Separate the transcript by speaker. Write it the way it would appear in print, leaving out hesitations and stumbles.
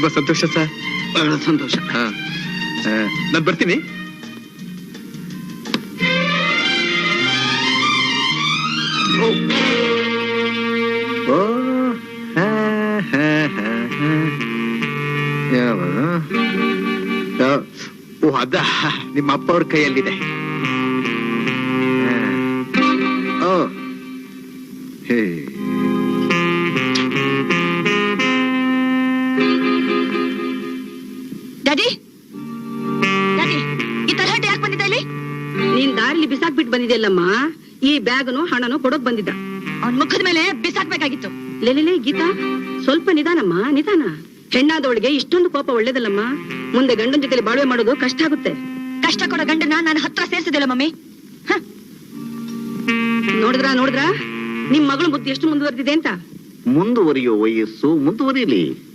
Speaker 1: ತುಂಬಾ ಸಂತೋಷ ಸರ್.
Speaker 2: ಬಹಳ ಸಂತೋಷ.
Speaker 1: ನಾನು ಬರ್ತೀನಿ. ಓ ಅದ ನಿಮ್ಮ ಅಪ್ಪ ಅವ್ರ ಕೈಯಲ್ಲಿದೆ. ಹೇ
Speaker 3: ಡ್ಯಾಡಿ, ಡ್ಯಾಡಿ, ಈ ತರಹಟೆ ಯಾಕೆ ಬಂದಿದ್ದ ಇಲ್ಲಿ?
Speaker 4: ನೀನ್ ದಾರಿಲಿ ಬಿಸಾಕ್ಬಿಟ್ಟು ಬಂದಿದ್ಯಲ್ಲಮ್ಮ. ಈ ಬ್ಯಾಗನು ಹಣನು ಕೊಡೋಕ್ ಬಂದಿದ್ದ.
Speaker 3: ಅವನ್ ಮುಖದ ಮೇಲೆ ಬಿಸಾಕ್ಬೇಕಾಗಿತ್ತು.
Speaker 4: ಲೇಲೇ ಗೀತಾ, ಸ್ವಲ್ಪ ನಿಧಾನಮ್ಮ, ನಿಧಾನ. ಹೆಣ್ಣಾದವಳಿಗೆ ಇಷ್ಟೊಂದು ಕೋಪ ಒಳ್ಳೇದಲ್ಲಮ್ಮ. ಮುಂದೆ ಗಂಡನ ಜೊತೆಲಿ ಬಾಳ್ವೆ ಮಾಡೋದು ಕಷ್ಟ ಆಗುತ್ತೆ.
Speaker 3: ಕಷ್ಟ ಕೊಡೋ ಗಂಡನ ನಾನು ಹತ್ರ ಸೇರ್ಸಿದಿಲ್ಲ ಮಮ್ಮಿ.
Speaker 4: ನೋಡಿದ್ರ ನಿಮ್ ಮಗಳು ಬುದ್ಧಿ ಎಷ್ಟು ಮುಂದುವರೆದಿದೆ ಅಂತ.
Speaker 2: ಮುಂದುವರಿಯೋ ವಯಸ್ಸು ಮುಂದುವರಿಯಲಿ.